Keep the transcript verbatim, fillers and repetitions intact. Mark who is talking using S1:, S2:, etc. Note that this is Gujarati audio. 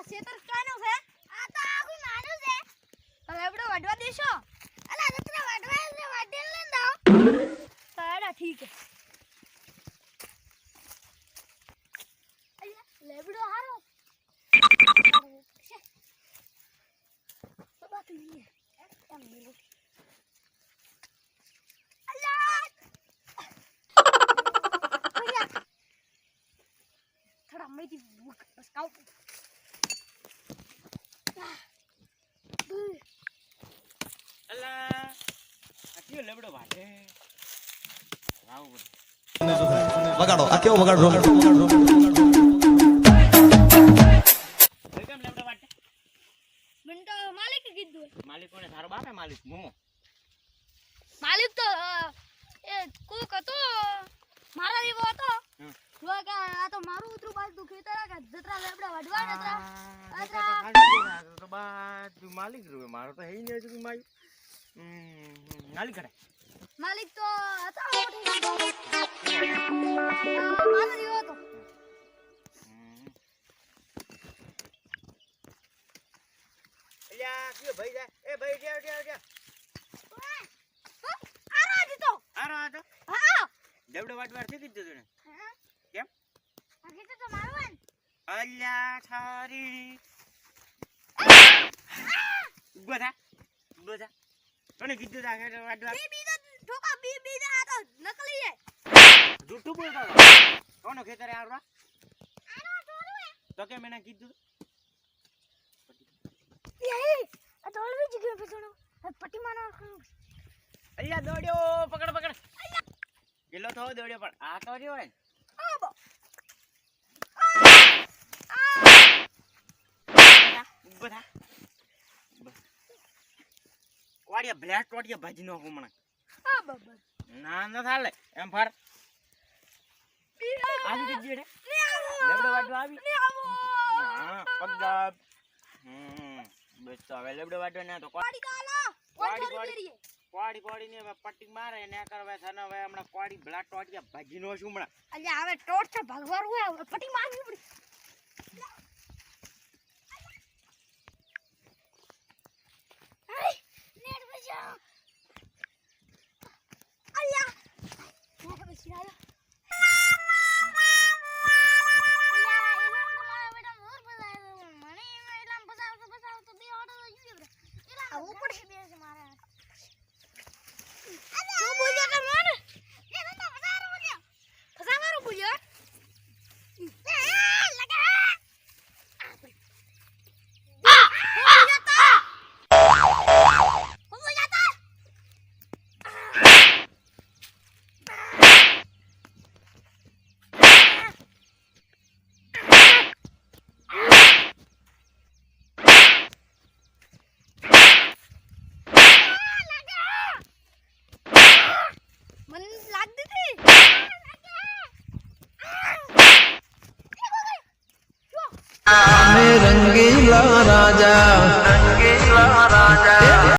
S1: ખેતર કાનો છે આ તો આખું નાનું છે હવે આપણે વાડવા દેશો અલા રત્રા વાડવા છે વાડેલ ને દાવ સાડા ઠીક છે અલ્યા લેબડો હારો તો બાત નહીં એમ નહીં અલ્યા થોડા મેથી ભૂખ પસકાવ
S2: અલા આટલો લેબડો વાટે વાવ
S3: વગાડો આ કેવો વગાડો વગાડો
S2: કેમ લેબડો વાટે
S1: મને તો માલિક કીધું
S2: માલિક કોને તારો બાપ હે માલિક મોમો
S1: માલિક તો એ કોક હતો મારા જેવો હતો જો કે આ તો મારું ઉતરું બાજુ ખેતર આ કે જતરા લેબડા વડવા નતરા અતરા
S2: તો બા તું માલિક રો મારો તો હે ને તું માઈ માલિક કરે
S1: માલિક તો હતા મોટી મારા જેવો હતો
S2: અલ્યા કયો ભાઈ જા એ ભાઈ જાવ જાવ જાવ
S1: આરા દીતો
S2: આરો આ તો
S1: હા
S2: લેબડો વાટવાર થી કીધું તને કેમ
S1: આ ખેતર તો મારવાન
S2: અલ્યા થારી બધા બધા કોને કીધું તા ખેતર વાટવાર
S1: બી બીજા ઠોકા બી બીજા આ તો નકલી છે
S2: જૂઠું બોલતો કોનો ખેતર આરો
S1: આરો ઢોલું હે
S2: તો કેમ એને કીધું
S1: એ આ ઢોલવી જગ્યા પેછણો પટ્ટી માનો
S2: અલ્યા દોડ્યો પકડ પકડ ગેલો તો દોડ્યો પણ આ તો રહ્યો હે
S1: આ બો
S2: બધા કોડિયા બ્લેક કોડિયા ભાજી નો હમણાં
S1: આ બબર
S2: ના ના થાલે એમ ફર આવી જજે રે
S1: ને આવો
S2: લેબડો વાટવા આવી
S1: ને આવો
S2: હા પગદાબ હમ બસ તો હવે લેબડો વાટવા ના તો
S1: પાડી કાલા
S2: પાડી,
S1: ઓય
S2: પાડી.
S1: કરીએ
S2: કોડી કોડી ને પટ્ટી મારે ને કરવે સને હવે હમણાં કોડી બ્લેક કોડિયા ભાજી નો છું હમણાં
S1: અલ્યા હવે ટોટ છે ભગવાર હોય પટ્ટી મારવી પડી આય નેટ બજાવ અલ્યા નેટ બજાવ
S3: रंगे